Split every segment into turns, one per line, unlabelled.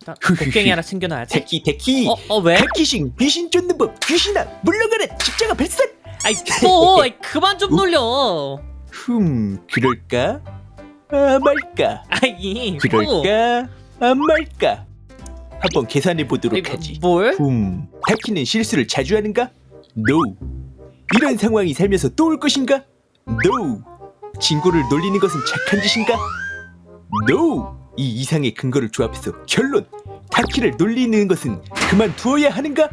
곡괭이 하나 챙겨놔야지.
데키
왜?
데키싱 귀신 쫓는 법. 귀신아 물러가라. 십자가 발산.
그만 좀 놀려.
그럴까? 아 말까? 그럴까? 안 말까? 한번 계산해 보도록 하지.
뭘?
타키는 실수를 자주 하는가? No. 이런 상황이 살면서 또 올 것인가? No. 친구를 놀리는 것은 착한 짓인가? No. 이 이상의 근거를 조합해서 결론. 타키를 놀리는 것은 그만두어야 하는가?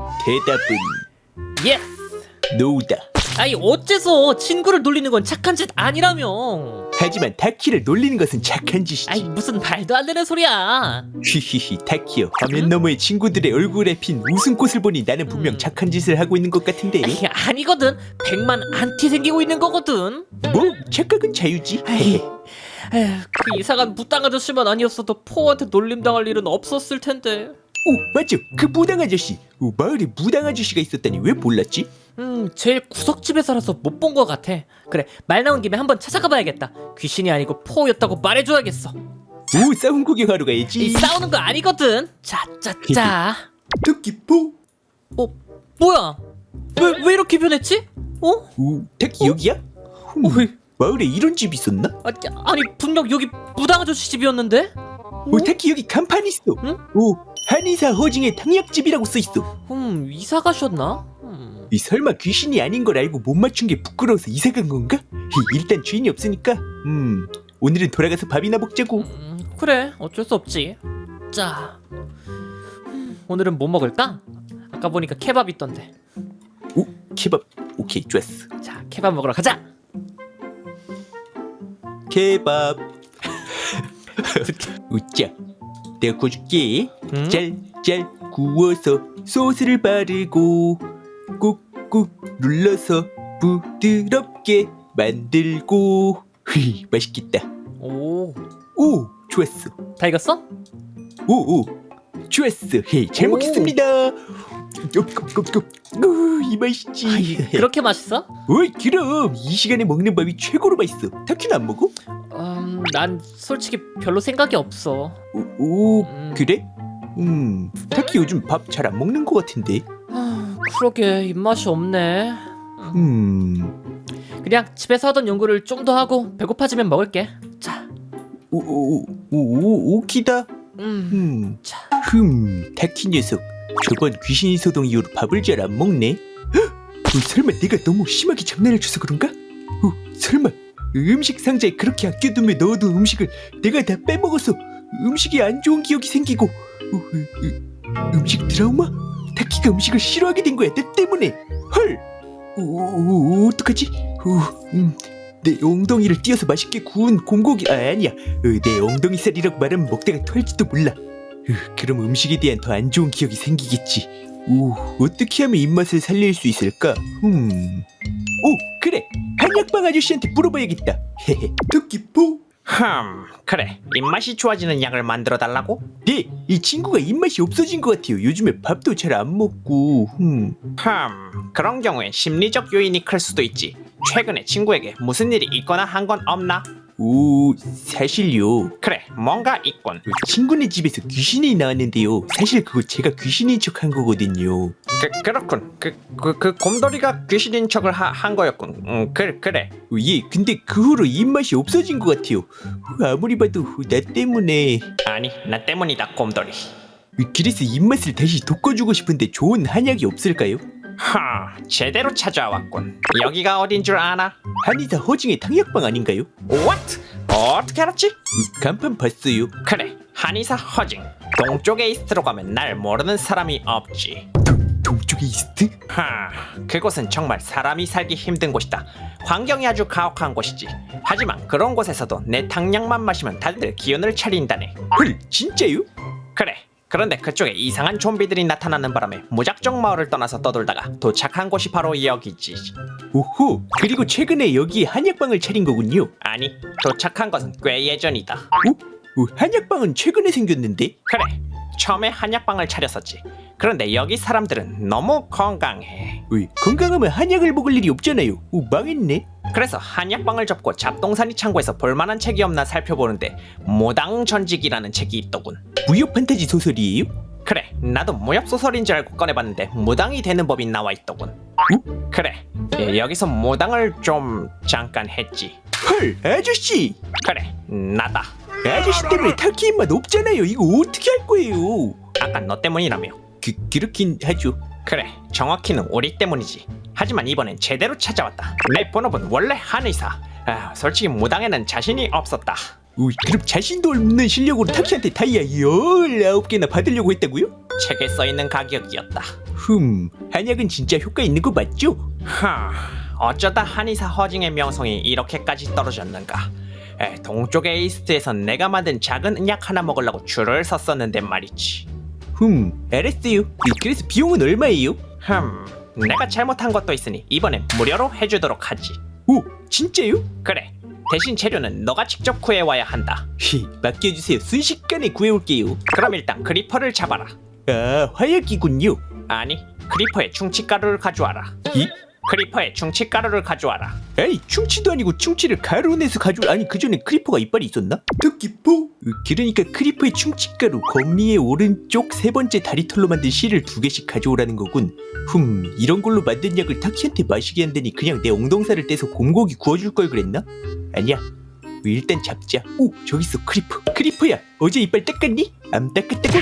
대답은
예스.
No다.
어째서 친구를 놀리는 건 착한 짓 아니라며.
하지만 타키를 놀리는 것은 착한 짓이지.
무슨 말도 안 되는 소리야.
히히히 타키요. 화면 너머의 친구들의 얼굴에 핀 웃음꽃을 보니 나는 분명 착한 짓을 하고 있는 것 같은데.
아니거든. 100만 안티 생기고 있는 거거든.
뭐 착각은 자유지.
그 이상한 무당 아저씨만 아니었어도 포한테 놀림당할 일은 없었을 텐데.
오 맞죠. 그 무당 아저씨. 마을에 무당 아저씨가 있었다니 왜 몰랐지?
제일 구석집에 살아서 못 본 것 같아. 그래, 말 나온 김에 한번 찾아가 봐야겠다. 귀신이 아니고 포였다고 말해줘야겠어.
오 싸움 구경하러 가야지.
싸우는 거 아니거든. 자.
토끼포.
뭐야? 왜 이렇게 변했지?
오 타키 여기야? 마을에 이런 집이 있었나?
아니 분명 여기 무당 아저씨 집이었는데?
오 타키 여기 간판이 있어.
응?
오 한의사 허징의 탕약집이라고 써있어.
이사 가셨나?
이 설마 귀신이 아닌 걸 알고 못 맞춘 게 부끄러워서 이사 간 건가? 일단 주인이 없으니까 오늘은 돌아가서 밥이나 먹자고.
그래, 어쩔 수 없지. 자, 오늘은 뭐 먹을까? 아까 보니까 케밥 있던데.
오 케밥. 오케이 좋았어.
자, 케밥 먹으러 가자.
케밥. 웃자. 내가 구워줄게. 짤짤 구워서 소스를 바르고 꾹꾹 눌러서 부드럽게 만들고. 맛있겠다.
오,
좋았어.
다 익었어?
오 좋았어. 잘 먹겠습니다. 이 맛이지.
그렇게 맛있어?
어이 그럼 이 시간에 먹는 밥이 최고로 맛있어. 타키는 안 먹어?
난 솔직히 별로 생각이 없어.
그래? 타키 요즘 밥 잘 안 먹는 것 같은데.
그러게 입맛이 없네. 그냥 집에서 하던 연구를 좀 더 하고 배고파지면 먹을게. 자.
오키다.
자.
타키 녀석 저번 귀신이 소동 이후로 밥을 잘 안 먹네. 설마 내가 너무 심하게 장난을 쳐서 그런가? 설마 음식 상자에 그렇게 아껴두며 넣어둔 음식을 내가 다 빼먹어서 음식에 안 좋은 기억이 생기고 음식 트라우마? 타키가 음식을 싫어하게 된 거야 내 때문에. 헐. 어떡하지? 내 엉덩이를 띄어서 맛있게 구운 곰고기 아니야. 내 엉덩이 살이라고 말하면 먹다가 토할지도 몰라. 그럼 음식에 대한 더 안 좋은 기억이 생기겠지. 어떻게 하면 입맛을 살릴 수 있을까? 그래. 한약방 아저씨한테 물어봐야겠다. 토끼포.
그래. 입맛이 좋아지는 약을 만들어 달라고?
네, 이 친구가 입맛이 없어진 것 같아요. 요즘에 밥도 잘 안 먹고.
그런 경우에 심리적 요인이 클 수도 있지. 최근에 친구에게 무슨 일이 있거나 한 건 없나?
사실요.
그래, 뭔가 있군.
친구네 집에서 귀신이 나왔는데요. 사실 그거 제가 귀신인 척한 거거든요.
그렇군. 그 곰돌이가 귀신인 척을 한 거였군. 그래.
예, 근데 그 후로 입맛이 없어진 것 같아요. 아무리 봐도 나 때문에.
아니, 나 때문이다, 곰돌이.
그래서 입맛을 다시 돋궈주고 싶은데 좋은 한약이 없을까요?
제대로 찾아왔군. 여기가 어딘 줄 아나?
한의사 허징의 탕약방 아닌가요?
What? 어떻게 알았지?
간판 봤어요.
그래, 한의사 허징. 동쪽에 이스트로 가면 날 모르는 사람이 없지.
동쪽에 이스트?
그곳은 정말 사람이 살기 힘든 곳이다. 환경이 아주 가혹한 곳이지. 하지만 그런 곳에서도 내 탕약만 마시면 다들 기운을 차린다네.
헐, 진짜요?
그래. 그런데 그쪽에 이상한 좀비들이 나타나는 바람에 무작정 마을을 떠나서 떠돌다가 도착한 곳이 바로 여기지.
오호, 그리고 최근에 여기 한약방을 차린 거군요.
아니, 도착한 것은 꽤 예전이다.
한약방은 최근에 생겼는데?
그래, 처음에 한약방을 차렸었지. 그런데 여기 사람들은 너무 건강해.
어이, 건강하면 한약을 먹을 일이 없잖아요. 망했네.
그래서 한약방을 접고 잡동사니 창고에서 볼만한 책이 없나 살펴보는데 무당전직이라는 책이 있더군.
무협 판타지 소설이에요?
그래, 나도 무협소설인 줄 알고 꺼내봤는데 무당이 되는 법이 나와 있더군. 그래, 여기서 무당을 좀 잠깐 했지.
헐, 아저씨.
그래, 나다.
아저씨 때문에 타키 입맛 없잖아요. 이거 어떻게 할 거예요?
아까 너 때문이라며.
그렇긴 하죠.
그래, 정확히는 우리 때문이지. 하지만 이번엔 제대로 찾아왔다. 내 본업은 원래 한의사. 솔직히 무당에는 자신이 없었다.
그럼 자신도 없는 실력으로 타키한테 다이아 19개나 받으려고 했다고요?
책에 써있는 가격이었다.
한약은 진짜 효과 있는 거 맞죠?
어쩌다 한의사 허징의 명성이 이렇게까지 떨어졌는가. 동쪽의 이스트에선 내가 만든 작은 약 하나 먹으려고 줄을 섰었는데 말이지.
알았어요. 그래서 비용은 얼마예요?
내가 잘못한 것도 있으니 이번엔 무료로 해주도록 하지.
오, 진짜요?
그래, 대신 재료는 너가 직접 구해와야 한다.
맡겨주세요. 순식간에 구해올게요.
그럼 일단 그리퍼를 잡아라.
화약이군요.
아니, 그리퍼에 충치가루를 가져와라. 크리퍼에 충치가루를 가져와라.
아이, 충치도 아니고 충치를 가루로 내서 아니, 그 전에 크리퍼가 이빨이 있었나? 토끼포? 그러니까 크리퍼의 충치가루 거미의 오른쪽 세 번째 다리털로 만든 실을 2개씩 가져오라는 거군. 이런 걸로 만든 약을 타키한테 마시게 한다니 그냥 내 엉덩살을 떼서 곰고기 구워줄 걸 그랬나? 아니야, 일단 잡자. 오, 저기 있어. 크리퍼야, 어제 이빨 닦았니? 안 닦았다고?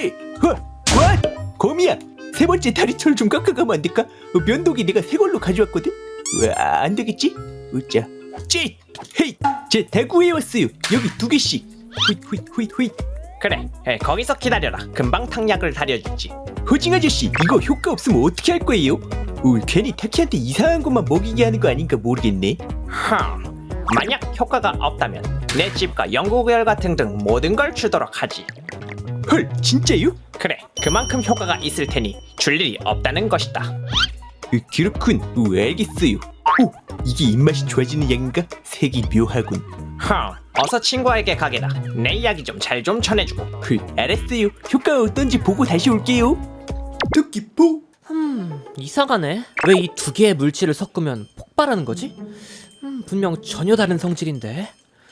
거미야, 세 번째 다리털 좀 깎아가면 안 될까? 면도기 내가 새 걸로 가져왔거든? 안 되겠지? 자, 헤이! 다 구해왔어요. 여기 2개씩. 휘.
그래, 거기서 기다려라. 금방 탕약을 다려주지.
허징 아저씨, 이거 효과 없으면 어떻게 할 거예요? 괜히 타키한테 이상한 것만 먹이게 하는 거 아닌가 모르겠네.
만약 효과가 없다면 내 집과 연구결과 등등 모든 걸 주도록 하지.
헐, 진짜요?
그래, 그만큼 효과가 있을 테니 줄 일이 없다는 것이다.
그렇군. 알겠어요. 이게 입맛이 좋아지는 약인가? 색이 묘하군.
어서 친구에게 가게다. 내 이야기 좀 잘 좀 전해주고.
알았어요. 효과가 어떤지 보고 다시 올게요. 토끼포?
이상하네. 왜 이 2개의 물질을 섞으면 폭발하는 거지? 분명 전혀 다른 성질인데.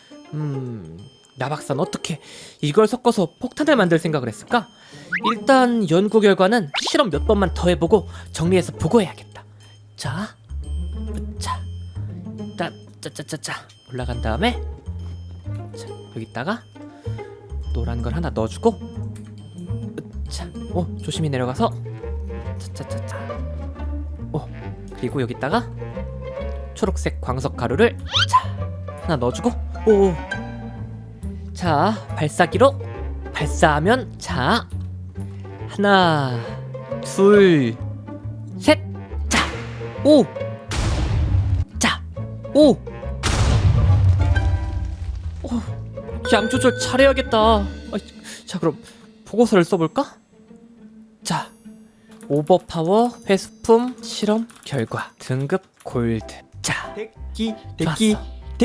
나 박사는 어떻게 이걸 섞어서 폭탄을 만들 생각을 했을까? 일단 연구 결과는 실험 몇 번만 더 해보고 정리해서 보고해야겠다. 자, 올라간 다음에 자, 여기다가 노란 걸 하나 넣어주고, 자, 조심히 내려가서 그리고 여기다가 초록색 광석 가루를 하나 넣어주고, 자, 발사기로 발사하면, 자, 하나, 둘, 셋, 자, 양 조절 잘해야겠다. 자, 그럼 보고서를 써볼까? 자, 오버파워 회수품 실험 결과 등급 골드. 자,
데키.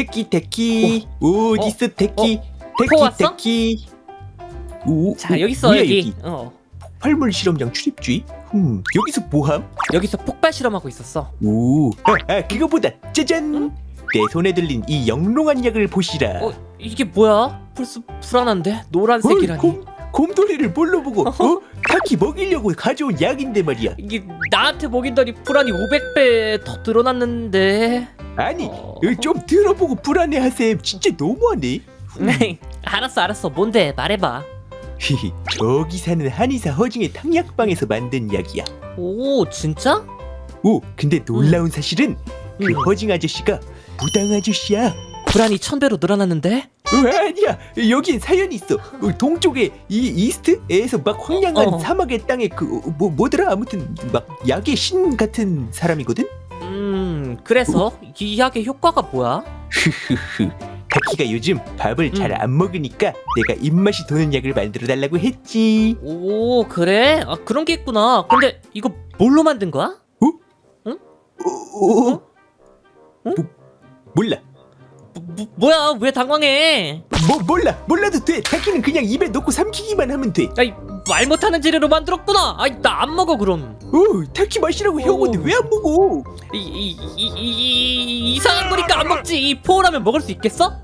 어딨어 데키?
포 왔어?
자,
여기 있어.
뭐야,
여기.
폭발물 실험장 출입주의? 여기서 뭐함?
여기서 폭발 실험하고 있었어.
그거보다 짜잔! 내 손에 들린 이 영롱한 약을 보시라.
이게 뭐야? 벌써 불안한데? 노란색이라니.
곰돌이를 뭘로 보고 타키 먹이려고 가져온 약인데 말이야.
이게 나한테 먹인다니 불안이 500배 더 늘어났는데.
아니, 좀 들어보고 불안해하셈. 진짜 너무하네.
알았어. 뭔데? 말해봐.
저기 사는 한의사 허징의 탕약방에서 만든 약이야.
오, 진짜?
근데 놀라운 사실은 그 허징 아저씨가 무당 아저씨야.
불안이 1000배로 늘어났는데?
아니야, 여긴 사연이 있어. 동쪽의 이 이스트에서 막 황량한 사막의 땅에 뭐더라, 아무튼 막 약의 신 같은 사람이거든.
그래서 이 약의 효과가 뭐야?
타키가 요즘 밥을 잘 안 먹으니까 내가 입맛이 도는 약을 만들어 달라고 했지.
오, 그래? 그런 게 있구나. 근데 이거 뭘로 만든 거야?
몰라.
뭐야? 왜 당황해?
몰라도 돼. 타키는 그냥 입에 넣고 삼키기만 하면 돼.
아니, 말 못하는 재료로 만들었구나. 아이 나 안 먹어 그럼.
타키 마시라고 해오는데 왜 안 먹어?
이상한 거니까 안 먹지. 이 포라면 먹을 수 있겠어?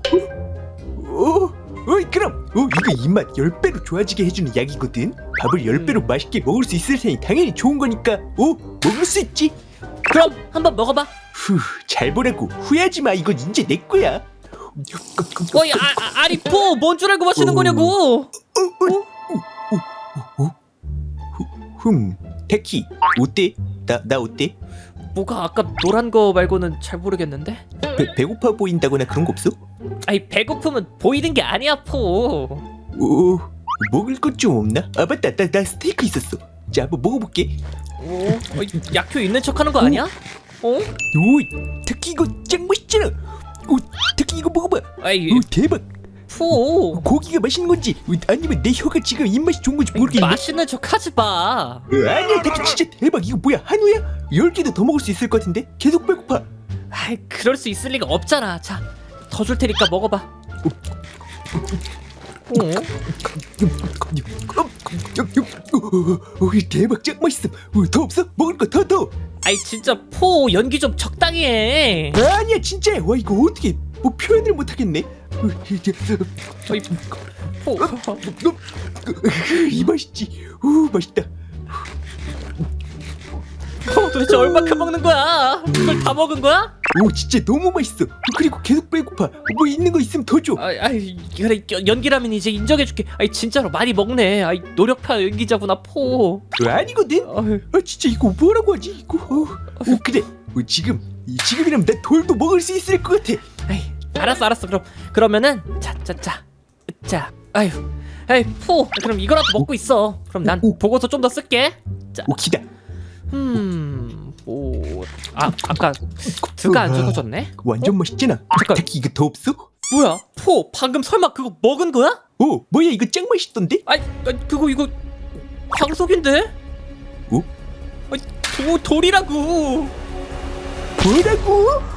그럼 이거 입맛 10배로 좋아지게 해주는 약이거든. 밥을 10배로 맛있게 먹을 수 있을 테니 당연히 좋은 거니까 먹을 수 있지.
그럼 한번 먹어봐.
잘 보라고. 후회하지 마. 이건 이제 내 거야.
어이 아니 포 뭔 줄 알고 마시는 거냐고.
타키 어때? 나 어때?
뭐가 아까 노란 거 말고는 잘 모르겠는데?
배고파 보인다거나 그런 거 없어?
아니 배고프면 보이는 게 아니야 포.
먹을 것 좀 없나? 아 맞다, 나 스테이크 있었어. 자 한번 먹어볼게.
약효 있는 척하는 거 아니야?
타키 이거 짱 맛있잖아. 타키 이거 먹어봐.
아이
대박.
포
고기가 맛있는 건지 아니면 내 혀가 지금 입맛이 좋은 건지 모르겠네.
맛있는 척 하지 마.
아니야 타키 진짜 대박. 이거 뭐야 한우야? 10개도 더 먹을 수 있을 것 같은데? 계속 배고파.
아이 그럴 수 있을 리가 없잖아. 자 더 줄 테니까 먹어봐.
대박 짱 맛있어. 더 없어? 먹을 거 더.
아이 진짜 포 연기 좀 적당히 해.
아니야 진짜야. 와 이거 어떻게 뭐 표현을 못 하겠네.
어이 포
이 맛있지. 맛있다.
포 도대체 얼마큼 먹는 거야? 그걸 다 먹은 거야?
진짜 너무 맛있어. 그리고 계속 배고파. 뭐 있는 거 있으면 더 줘.
아이 그래 연기라면 이제 인정해줄게. 아이 진짜로 많이 먹네. 아이 노력파 연기자구나 포.
아니거든.
아유.
진짜 이거 뭐라고 하지 이거. 그래. 지금이라면 나 돌도 먹을 수 있을 것 같아.
아이 알았어 그러면은 자 아이 포 그럼 이거라도 먹고 있어. 그럼 난 보고서 좀 더 쓸게. 자
기다.
아까 드가 안 적어졌네.
완전 맛있잖아.
잠깐.
타키 이거 더 없어?
뭐야 포 방금 설마 그거 먹은 거야?
뭐야 이거 짱 맛있던데?
그거 이거 황석인데? 돌이라고.
뭐라고?